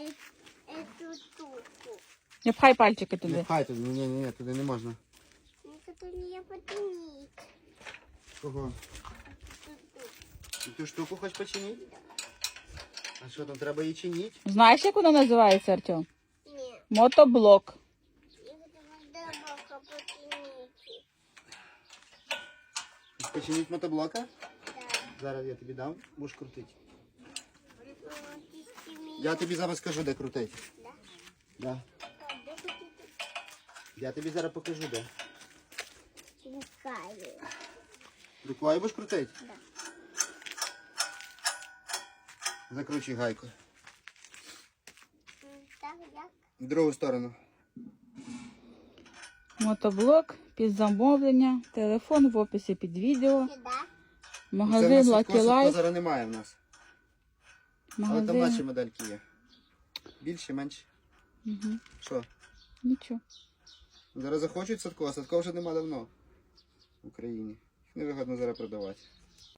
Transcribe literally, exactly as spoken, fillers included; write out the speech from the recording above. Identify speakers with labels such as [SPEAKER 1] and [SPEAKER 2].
[SPEAKER 1] эту штуку.
[SPEAKER 2] Не пхай пальчики
[SPEAKER 3] Не
[SPEAKER 2] туди.
[SPEAKER 3] пхай туди, ні, ні, ні, туди не можна.
[SPEAKER 1] Ну, это не потянить.
[SPEAKER 3] Кого? Ти ту штуку хочеш починити? А що там, треба її чинити?
[SPEAKER 2] Знаєш, як вона називається, Артем?
[SPEAKER 1] Нет.
[SPEAKER 2] Мотоблок.
[SPEAKER 1] Я хотела дорога потянить.
[SPEAKER 3] Починити мотоблока?
[SPEAKER 1] Да.
[SPEAKER 3] Зараз я тобі дам, будеш крутити.
[SPEAKER 1] Ну, ты с ними-
[SPEAKER 3] Я тобі зараз скажу, де крутити.
[SPEAKER 1] Да?
[SPEAKER 3] Да.
[SPEAKER 1] А, да ты
[SPEAKER 3] Я тобі зараз покажу, де.
[SPEAKER 1] руками.
[SPEAKER 3] Рукою будеш крутити?
[SPEAKER 1] Да.
[SPEAKER 3] Закручуй гайку.
[SPEAKER 1] М, Так, як?
[SPEAKER 3] В другу сторону.
[SPEAKER 2] Мотоблок під замовлення. Телефон в описі під відео.
[SPEAKER 1] Сюда.
[SPEAKER 2] Магазин
[SPEAKER 3] Це в нас
[SPEAKER 2] Lucky
[SPEAKER 3] садко, садко
[SPEAKER 2] Life.
[SPEAKER 3] зараз немає в нас. Але там наші
[SPEAKER 2] Магазин.
[SPEAKER 3] модельки є. Більше, менше.
[SPEAKER 2] Угу.
[SPEAKER 3] Що?
[SPEAKER 2] Нічого.
[SPEAKER 3] Зараз захочуть садко, а садко вже нема давно в Україні. Їх невигодно зараз продавати.